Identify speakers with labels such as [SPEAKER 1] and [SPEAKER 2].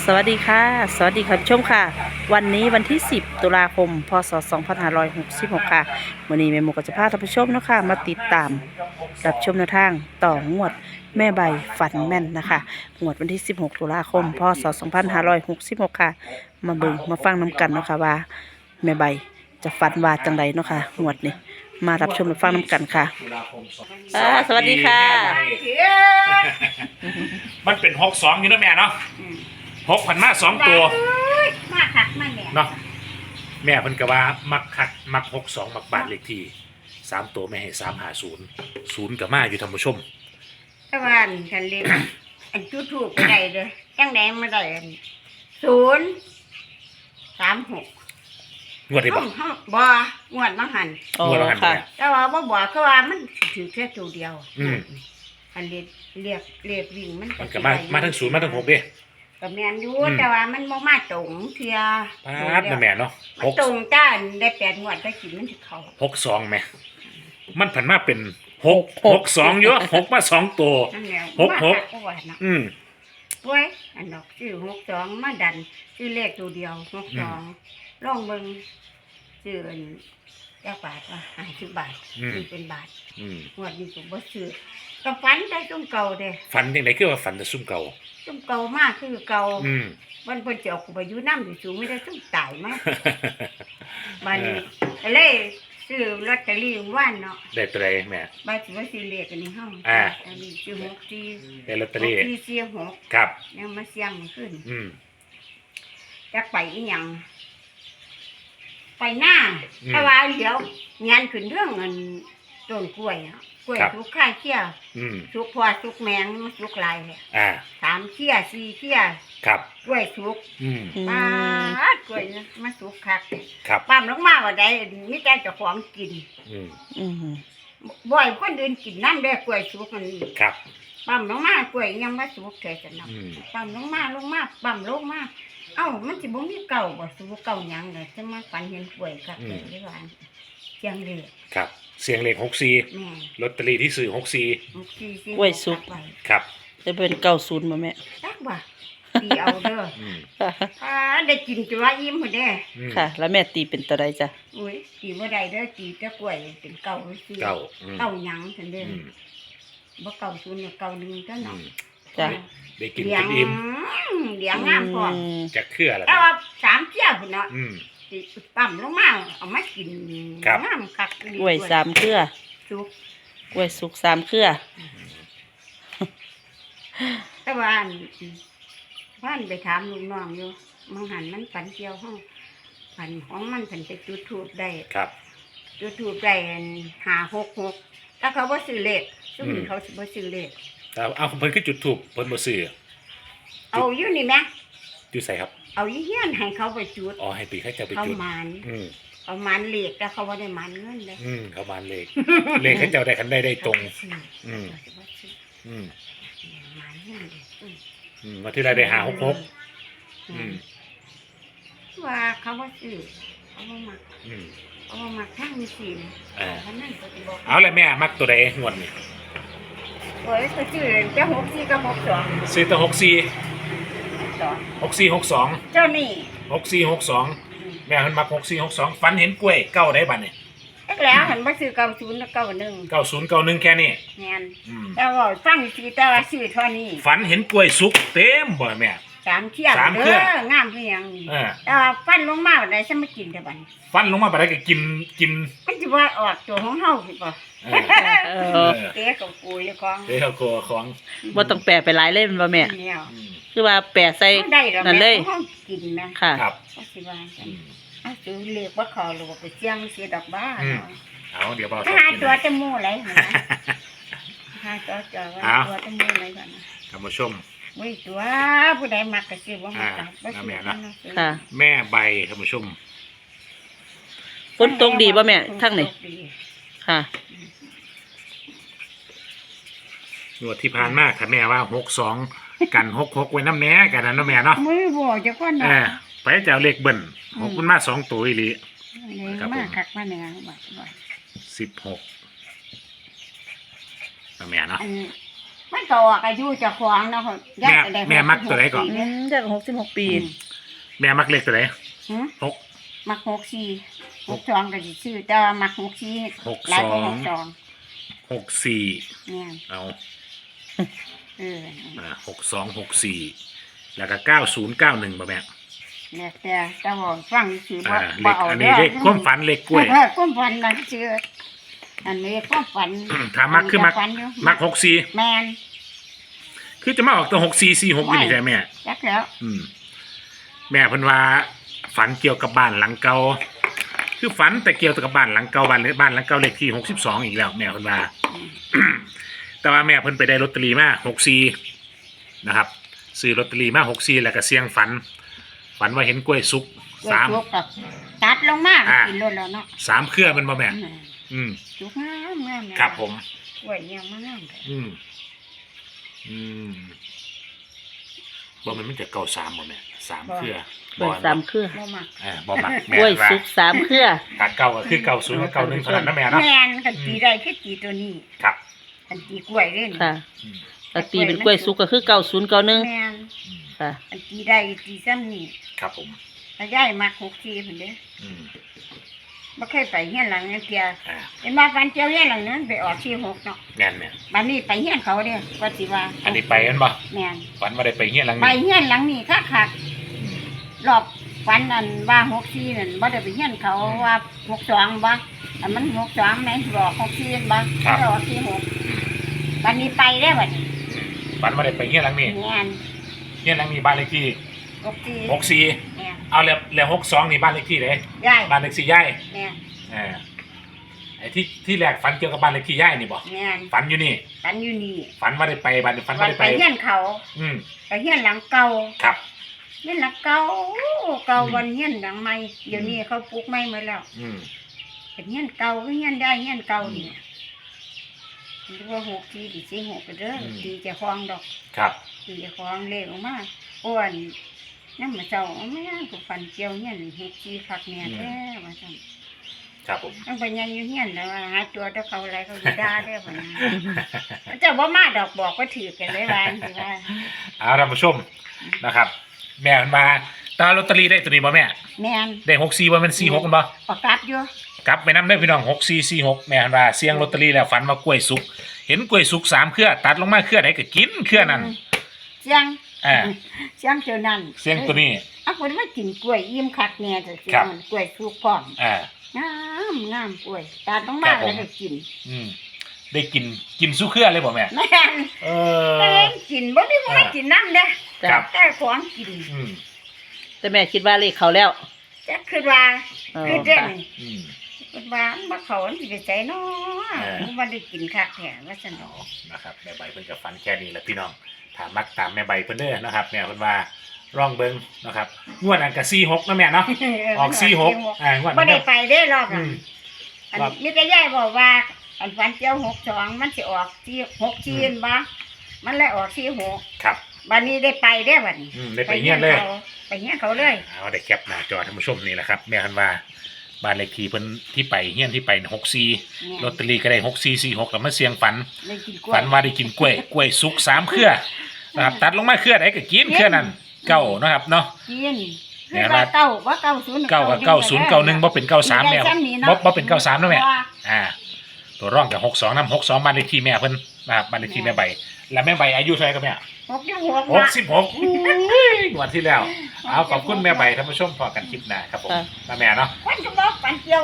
[SPEAKER 1] สวัสดีค่ะสวัสดีค่ะผู้ชมค่ะวันนี้วันที่10ตุลาคมพศ2566ค่ะวันนี้แม่หมูก็จะพาท่านผู้ชมเนาะค่ะมาติดตามรับชมแนวทางต่องวดแม่ใบฝันแม่นนะคะงวดวันที่16ตุลาคมพศ2566ค่ะมาเบิ่งมาฟังน้กันเนาะค่ะว่าแม่ใบจะฝันว่าจังใดเนาะค่ะงวดนี้มารับชมและฟังน้กันค่ะสวัสดีค่ะ
[SPEAKER 2] มันเป็น62อยู่นะแม่เนาะ6,000มา2ตัว
[SPEAKER 3] มาคักมาเนี่ย
[SPEAKER 2] เนาะแม่เพิ่นก็ว่ามักคักมัก62มักบ้านเลขที่3ตัวแม่ให้350 0ก็มาอยู่ท่านผู้ชม
[SPEAKER 3] ตะวันกันเลยอันจุดถูกไปได้เลยจังไหนมาได้อัน036
[SPEAKER 2] งวดได้บ่
[SPEAKER 3] บ่งวดมาหัน
[SPEAKER 1] โอ้
[SPEAKER 2] งวดละหัน
[SPEAKER 1] ค่ะ
[SPEAKER 2] แม่
[SPEAKER 3] แต่ว่าบ่บอกคือว่ามันถือแค่ตัวเดียว อันเรียกวิ่งมัน
[SPEAKER 2] มันก็มาทั้ง0มาทั้ง6เด้
[SPEAKER 3] ก็แม่นอยู่แต่ว่ามันบ่มาตรงเทื่อ
[SPEAKER 2] พาดนะแม่เนาะ
[SPEAKER 3] มันตรงจ้าได้8งวดได้กินมันสิเข้า
[SPEAKER 2] 62แม่มันผันมาเป็น662เยอะ6มา2ตัว
[SPEAKER 3] นั่นแหละ
[SPEAKER 2] หก
[SPEAKER 3] มาคัก็ว่านะ ป่วยอันดอกซื้อ62มาดันซื้อเลขตัวเดียว62ลองเบิ่งซื้ออันจักบาทว่า50 บาทซื้อเป็นบาทงวดนี้ก็บ่ซื้อก็ฝันได้ตุ้มเก่าเด้
[SPEAKER 2] ฝันจังไดคือว่าฝันแต่ซุ่มเก่า
[SPEAKER 3] ตุ้มเก่ามากคือเก่ามันเพิ่นสิเอากูไปอยู่นำสูงไม่ได้ตุ้มตายมาบัดนี้ก็เลยซื้อลอตเตอรี่ว่านเนาะ
[SPEAKER 2] ได้ตัวใดแม่
[SPEAKER 3] บาดสิว่าซื้อเลขอันนี้เฮาอันนี้ซื้อ64
[SPEAKER 2] ได้ลอตเตอรี่
[SPEAKER 3] 6
[SPEAKER 2] ครับ
[SPEAKER 3] ยังมาเสี่ยงขึ้น จักไปอีหยังไปหน้าแต่ว่าเดี๋ยวงานขึ้นเรื่องเงินต้นกล้วยอ่ะกล้วยทุกข้าเขี้ยทุกพอทุกแมงทุกลายเลย3เขี้ย4เขี้ย
[SPEAKER 2] ครับ
[SPEAKER 3] กล้วยทุกป้ากล้วยมาสุกคัก
[SPEAKER 2] ครับ
[SPEAKER 3] ปั๊มลงมาว่าได้มีแต่เจ้าของกินบ่อยคนอื่นกินนั่นเด้อกล้วยสุกมัน
[SPEAKER 2] ครับ
[SPEAKER 3] ปั๊มลงมากล้วยยังมาสุกแค่จะนำปั๊มลงมาปั๊มลงมาเอ้ามันสิบ่มีเก่าบ่สิบ่เก่าหยังเลยจะมาฝันเห็นกล้วยครับได้ว่าเสียงเลย
[SPEAKER 2] ครับเสียงเลข64
[SPEAKER 3] แม่
[SPEAKER 2] ลอตเตอรี่ที่ซื้อ64
[SPEAKER 1] กล้วยสุก
[SPEAKER 2] ครับ
[SPEAKER 1] จะเป็น90มาแม่
[SPEAKER 3] จักบ่ตีเอาเด้อได้กินจนว่าอิ่มพุ่นเด้
[SPEAKER 1] ค่ะ แล้วแม่ตีเป็นตัวใดจ้ะ
[SPEAKER 3] อุ้ยตีบ่ได้เด้อตีแต่กล้วยเป็นเก่าซื่อ
[SPEAKER 2] เก่า
[SPEAKER 3] เก่าหยังซั่นเด้อบ่เก่าศูนย์เก่าหนึ่งเท่านั้น
[SPEAKER 1] จ้ะ
[SPEAKER 2] ได้กินเป็นอิ่ม
[SPEAKER 3] เลี้ยงงามพร้อม
[SPEAKER 2] จะเครืออะไร
[SPEAKER 3] แต่ว่า3เที่ยวพุ่นเนาะสิปั๊มลงมาเอามากินงามคัก
[SPEAKER 1] กล้วย3เครือ
[SPEAKER 3] สุก
[SPEAKER 1] กล้วยสุก3เครือ
[SPEAKER 3] แต่ว่าว่านไปถามลูกน้องอยู่มังหันมันฝันเกี่ยวห้องฝันของมันฝันไปจุดทูบได้
[SPEAKER 2] ครับ
[SPEAKER 3] จุดทูบได้566ถ้าเขาบ่ซื้อเลขซึ่งเขาสิบ่ซื้อเลข
[SPEAKER 2] เอาเพิ่นคือจุดถูกเพิ่นบ่ซื้อ
[SPEAKER 3] เอาอยู่นี่แหม
[SPEAKER 2] จุดใส่ครับ
[SPEAKER 3] เอาอยู่เฮียนให้เขาไปจุด
[SPEAKER 2] อ๋อให้ปีเขาจะไป
[SPEAKER 3] เขา
[SPEAKER 2] จุด
[SPEAKER 3] หมานเอาหมานเลขแต่เขาบ่ได้หมานเงินเลย
[SPEAKER 2] เขาบานเลข เลขเขาเจ้าได้คันได้ตรง
[SPEAKER 3] หมานเงินเลย
[SPEAKER 2] มาที่ไรได้566
[SPEAKER 3] ว่าเขาบ่ซื้อเขาบ่มักเอามาทางมีศีลเพราะนั้นก็สิบอก
[SPEAKER 2] เอาละแม่มักตัวใดงวดนี่
[SPEAKER 3] โอ้ยก็ชื่อจะ64กับ62
[SPEAKER 2] ซื้อแต่64 64 62
[SPEAKER 3] เจ้านี่
[SPEAKER 2] 64 62แม่เพิ่นมัก64 62ฝันเห็นกล้วยเก้าได้บัดนี่
[SPEAKER 3] แล้วหันมาซื้อ90แล้ว91
[SPEAKER 2] 90 91แค่นี้
[SPEAKER 3] แม่นแต่ว่าฟังสิแต่ว่าซื้อเท่านี้
[SPEAKER 2] ฝันเห็นกล้วยสุกเต็มบ่แม่
[SPEAKER 3] 3เที่ยว
[SPEAKER 2] สามเที่ยว
[SPEAKER 3] งามคือหยังแต่ว่าฟันลงมาได้ซะมากินแต่บัด
[SPEAKER 2] ฟันลงมาบัดนี้ก็กิน
[SPEAKER 3] มันสิว่าออกตัวของเฮาสิบ่ เตะกับกูอยู่ของ
[SPEAKER 2] เดี๋ยวก็ของ
[SPEAKER 1] บ่ต้องแปะไปหลายเล่มบ่แม่
[SPEAKER 3] เนี่ย
[SPEAKER 1] คือว่าแปะใส่
[SPEAKER 3] ได้แล้ว
[SPEAKER 1] นั่นเลย
[SPEAKER 3] ห้องกินนะ
[SPEAKER 1] ค่ะ
[SPEAKER 2] ครับ
[SPEAKER 3] ก็สิว่ากันเอาซื้อเลขว่าเขาหรือว่าไปเสี่ยงเสียดอกบ้า
[SPEAKER 2] เอาเดี๋ยวเบา
[SPEAKER 3] ถ้าหาตัวจะมู่อะไรนะหาตัวจะว่าตัวจะมู่อะไรกันนะ
[SPEAKER 2] ท่านผู้ชม
[SPEAKER 3] เว้ยตัวผู้ใดมักก็ซื้อบ่มักก็บ่ซื้อ
[SPEAKER 1] ค่ะ
[SPEAKER 2] แม่ใบท่านผู้ชม
[SPEAKER 1] ฝนตกดีบ่แม่ทั้งนี้ค่ะ
[SPEAKER 2] งวดที่ผ่านมาค่ะแม่ว่า62กัน66ไว้น้ำแหน่กันนะเนาะแม่เนาะ
[SPEAKER 3] มือบ่จะก่อนนะ
[SPEAKER 2] ไปจะเอาเลขเบิ่น6มันมา2ตัวอีหลี
[SPEAKER 3] มาคักมาแหน่บ่
[SPEAKER 2] 16นะแม่เนาะ
[SPEAKER 3] อันมันก็ออกอายุเจะของเนาะญาติได้
[SPEAKER 2] แม่มักตัวไหนก่อน
[SPEAKER 1] อืมจาก66 ปี
[SPEAKER 2] แม่มักเลขตัวไหน
[SPEAKER 3] หือ
[SPEAKER 2] หก
[SPEAKER 3] มัก64 62ก็สิซื้อแต่ว่ามัก64หลายกว่า62
[SPEAKER 2] 64
[SPEAKER 3] เนี่ย
[SPEAKER 2] เอา
[SPEAKER 3] เออ
[SPEAKER 2] 6264แล้วก็9091บ่แม่
[SPEAKER 3] แล้วแต่ว่าฟังซื่อบ่
[SPEAKER 2] เล
[SPEAKER 3] บ่
[SPEAKER 2] ข
[SPEAKER 3] เอา
[SPEAKER 2] อันนี้เลขความฝันเลขกล้วย
[SPEAKER 3] ความฝันนั่นชื่ออันนี้ความฝัน
[SPEAKER 2] ถามมักคือมัก
[SPEAKER 3] ฝันอยู่
[SPEAKER 2] มัก64
[SPEAKER 3] แม่น
[SPEAKER 2] คือจะมาออกตัว6446อยู่นี่ใช่แม่
[SPEAKER 3] จักแล้ว
[SPEAKER 2] แม่เพิ่นว่าฝันเกี่ยวกับบ้านหลังเก่าคือฝันแต่เกี่ยวกับบ้านหลังเก่าบ้านหลังเก่าเลขที่62อีกแล้วแม่เพิ่นว่า แต่ว่าแม่เพิ่นไปได้ลอตเตอรี่มา64นะครับซื้อลอตเตอรี่มา64แล้วก็เสี่ยงฝันว่าเห็นกล้วยสุก
[SPEAKER 3] กล้วยสุกกับตัดลงมา
[SPEAKER 2] อ่า
[SPEAKER 3] กินรถแล้วเนาะ
[SPEAKER 2] 3เครือมันบ่แม่
[SPEAKER 3] สุกงามงาม
[SPEAKER 2] ครับผม
[SPEAKER 3] กล้วยเนี่ยมันงาม
[SPEAKER 2] บ่มันจะเก่า3บ่แม่3เครือก
[SPEAKER 1] ล้วย3เครือ
[SPEAKER 3] บ่มัก
[SPEAKER 2] บ่มัก
[SPEAKER 1] กล้วยสุก3เครือ
[SPEAKER 2] ถ้าเก่าก็คือเก่า0กับเก่า1เท่านั้นนะแม่เนาะ
[SPEAKER 3] แม่นกันตีได้คือตีตัวนี้
[SPEAKER 2] ครับ
[SPEAKER 3] อันตีกล้วยเล่น
[SPEAKER 1] ค่ะก็ตีเป็นกล้วยสุกก็คือ9091
[SPEAKER 3] แม่น
[SPEAKER 1] ค่ะ
[SPEAKER 3] อันตีได้ตีซ้ำนี่
[SPEAKER 2] ครับผม
[SPEAKER 3] ถ้าย้ายมัก64เพิ่นเด้
[SPEAKER 2] อืม
[SPEAKER 3] บ่เคยไปเฮียนหลังนั้นเที่ย
[SPEAKER 2] อ่า
[SPEAKER 3] เห็นมาฟันเจียวเฮียนหลังนั้นไปออก46เนาะ
[SPEAKER 2] แม่นแม่
[SPEAKER 3] บัดนี้ไปเฮียนเขาเด้ก็สิว่า
[SPEAKER 2] อันนี้ไปกันบ่
[SPEAKER 3] แม่น
[SPEAKER 2] ฝันว่าได้ไปเฮียนหลัง
[SPEAKER 3] ไป
[SPEAKER 2] นี้
[SPEAKER 3] เฮียนหลังนี้คักๆรอบฟันอันว่า64นั่นบ่ได้ไปเฮียนเขาว่า62บ่อันมัน62แม่นบอก64บ่ไม่ได้ออก46บัดนี้ไปได้บัดนี้
[SPEAKER 2] ฝันว่าได้ไปเฮียนหลังนี้
[SPEAKER 3] แม่น
[SPEAKER 2] เฮียนหลังนี้บ้านเลขที่
[SPEAKER 3] 64แม่น
[SPEAKER 2] 64เอาแล้ว62นี่บ้านเลขที่ไหน
[SPEAKER 3] ยาย
[SPEAKER 2] บ้านเลขที่ย่าย
[SPEAKER 3] แม่น
[SPEAKER 2] ไอ้ที่แรกฝันเกี่ยวกับบ้านเลขที่ย่ายนี่บ่
[SPEAKER 3] แม่น
[SPEAKER 2] ฝันอยู่นี่
[SPEAKER 3] ฟันอยู่นี่
[SPEAKER 2] ฝันว่าได้ไปบ้านฝันว่า
[SPEAKER 3] วัน
[SPEAKER 2] ได้
[SPEAKER 3] ไป
[SPEAKER 2] ไป
[SPEAKER 3] เฮียนเขา
[SPEAKER 2] อืม
[SPEAKER 3] ไปเฮียนหลังเก่า
[SPEAKER 2] ครับ
[SPEAKER 3] เฮียนหลังเก่าเก่าวันเฮียนหลังใหม่เดี๋ยวนี้เขาปลูกใหม่หมดแล้ว
[SPEAKER 2] อืม
[SPEAKER 3] เป็นเฮียนเก่าก็เฮียนได้เฮียนเก่านี่หรือว่า64ดิสิ6ก็เด้อตีเจะคลองดอก
[SPEAKER 2] ครับ
[SPEAKER 3] ตีเจะคลองเลขออกมาอ้วนน้ำมาเจ้าเอาแม่ก็ฟันเจียวเฮียน64คักแม่แท้ว่าซั่น
[SPEAKER 2] ครับผม
[SPEAKER 3] ต้องไปยังอยู่เฮียนแล้วว่าหาตัวถ้าเขาอะไรเขาสิด่าได้อบ่นะเจ้าบ่มาดอกบอกว่าถือกันเลยว่าสิว่า
[SPEAKER 2] เอาท่านผู้ชมนะครับ แม่มันมาตาลอตเตอรี่ได้ตัวนี้บ่แม่
[SPEAKER 3] แม่น
[SPEAKER 2] ได้64บ่แม่น46กันบ่
[SPEAKER 3] ประกาศอยู่
[SPEAKER 2] กลับไปนำได้อพี่น้อง6446แม่มันว่าเสี่ยงลอตเตอรี่แล้วฝันว่ากล้วยสุกเห็นกล้วยสุก3เครือตัดลงมาเครือไหนก็กินเครือนั้น
[SPEAKER 3] เสียง
[SPEAKER 2] อ่า
[SPEAKER 3] เสียงเจ้านั้น
[SPEAKER 2] เสี่ยงตัวนี้
[SPEAKER 3] อ่ะคนมากินกล้วยอิ่มคักแน่จะเสีย
[SPEAKER 2] ครับ
[SPEAKER 3] งกล้วยสุกพร้อม
[SPEAKER 2] อ่า
[SPEAKER 3] งามกล้วยตาต้องมา
[SPEAKER 2] ครับผม
[SPEAKER 3] แล้วก็กิน
[SPEAKER 2] อืมได้กินสู้เครือเลยบ่แม่
[SPEAKER 3] แม่น
[SPEAKER 2] เอ
[SPEAKER 3] เอ้ยกินบ่มีผู้ใดกินน้ำเด้อ
[SPEAKER 2] ครับ
[SPEAKER 3] แต่ของกิน
[SPEAKER 2] อืม
[SPEAKER 1] แต่แม่คิดว่าเลขเขาแล้ว
[SPEAKER 3] จะคือว่า
[SPEAKER 1] อ๋อ
[SPEAKER 3] คือเด้ง
[SPEAKER 2] อืม
[SPEAKER 3] คือว่าบ่เขาอันสิไปใส่เนาะ
[SPEAKER 2] เออ
[SPEAKER 3] บ่ได้กินคักแท้ว่าซั่นดอก
[SPEAKER 2] นะครับแม่ใบเพิ่นจะฟันแค่นี้แหละพี่น้องถามมักตามแม่ใบเพิ่นเด้อนะครับแม่เพิ่นว่าร่องเบิ่งนะครับงวดนั้นก็46นะแม่เนาะออก46งวด
[SPEAKER 3] บ่
[SPEAKER 2] นั้น
[SPEAKER 3] ได้
[SPEAKER 2] ก็
[SPEAKER 3] ไปได้รอบ
[SPEAKER 2] อื
[SPEAKER 3] อ่ะ
[SPEAKER 2] ม
[SPEAKER 3] อัน
[SPEAKER 2] ครับ
[SPEAKER 3] มีแต่ยายบอกว่า อันฝันเจียว62มันสิออกที่6จีนบ่มันเลยออกที่6
[SPEAKER 2] ครับ
[SPEAKER 3] บัดนี้ได้ไปได้อบัดนี้
[SPEAKER 2] ได้ไปเฮียนเลย
[SPEAKER 3] ไปเฮียนเขาเลย
[SPEAKER 2] เอาได้แคปหน้าจอท่านผู้ชมนี่แหละครับแม่เพิ่นว่าบ้านเลขที่เพิ่นที่ไปเฮียนที่ไป64ลอตเตอรี่ก็ได้6446แล้วมาเสี่ยงฝัน
[SPEAKER 3] ได้กินกล้วย
[SPEAKER 2] ฝันว่าได้กินกล้วยสุก3เครือนะครับตัดลงมาเครือไหนก็กินเครือนั้นเก้านะครับเนาะ
[SPEAKER 3] กิน
[SPEAKER 2] เนี่
[SPEAKER 3] คื
[SPEAKER 2] ย
[SPEAKER 3] อว่า
[SPEAKER 2] นะ
[SPEAKER 3] เก้าว่า90
[SPEAKER 2] เก้ากับ9091บ่เป็น93แม่บ่เป็น93นะแม่ตัวร่องกับ62นำ62บ้านเลขที่แม่เพิ่นนะครับบ้านเลขที่แม่ใบแล้วแม่ใบอายุเท่าไหร่ครับแม่ 66วันที่แล้วเอาขอบคุณแม่ใบท่านผู้ชมพอกันคลิปหน้าครับผม
[SPEAKER 1] ค่ะ
[SPEAKER 2] มาแม่เนาะ
[SPEAKER 3] วันก็บอกฝันเจียว